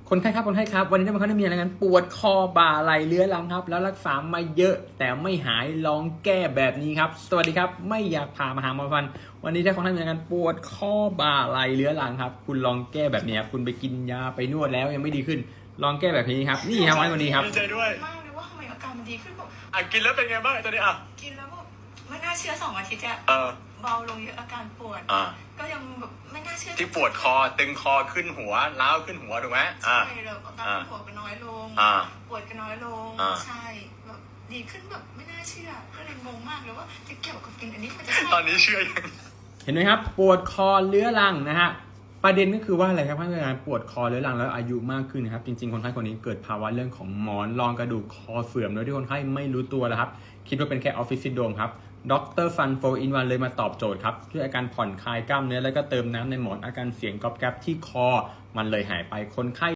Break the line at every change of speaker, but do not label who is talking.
คนไข้ครับคนไข้ครับวันนี้ท่านผู้ชมได้มีอาการปวดคอบ่าไหล่เรื้อรังครับแล้วรักษามาเยอะแต่ไม่หายลองแก้แบบนี้ครับสวัสดีครับไม่อยากพามาหาหมอฟันวันนี้ถ้าคนไข้มีอาการปวดคอบ่าไหล่เรื้อรังครับคุณลองแก้แบบนี้ครับคุณไปกินยาไปนวดแล้วยังไม่ดีขึ้นลองแก้แบบนี้ครับนี่ครับวันนี้ครับ
ดีใจด้วย
มากเลยว่าทำไมอาการมันดีขึ้นแบบ
กินแล้วเป็นไงบ้างตอนนี้
กินแล้วแบบไม่น่าเชื่อ2 อาทิตย์อะเบาลงเยอะอาการปวดก็ยังแบบไม่น่าเชื่อ
ที่ปวดคอตึงคอขึ้นหัวล้าวขึ้นหัวถูกไหม
ใช่เลยอาการปวดก็น้อยลงปวดก็น้อยลงใช่แบบดีขึ้นแบบไม่น่าเชื่อก็เลยงงมากเลยว่าจะเกี่ยวกับกินอันนี้มันจะ
ตอนนี้เชื่อยัง
เห็นไหมครับปวดคอเรื้อรังนะฮะประเด็นก็คือว่าอะไรครับท่านผู้ชมปวดคอเรื้อรังแล้วอายุมากขึ้นนะครับจริงๆคนไข้คนนี้เกิดภาวะเรื่องของหมอนรองกระดูกคอเสื่อมโดยที่คนไข้ไม่รู้ตัวนะครับคิดว่าเป็นแค่ออฟฟิศซินโดรมครับดรฟันโฟอินวันเลยมาตอบโจทย์ครับด้วยอาการผ่อนคลายกล้ามเนื้อแล้วก็เติมน้ำในหมอนอาการเสียงก๊อบแก๊บที่คอมันเลยหายไปคนไข้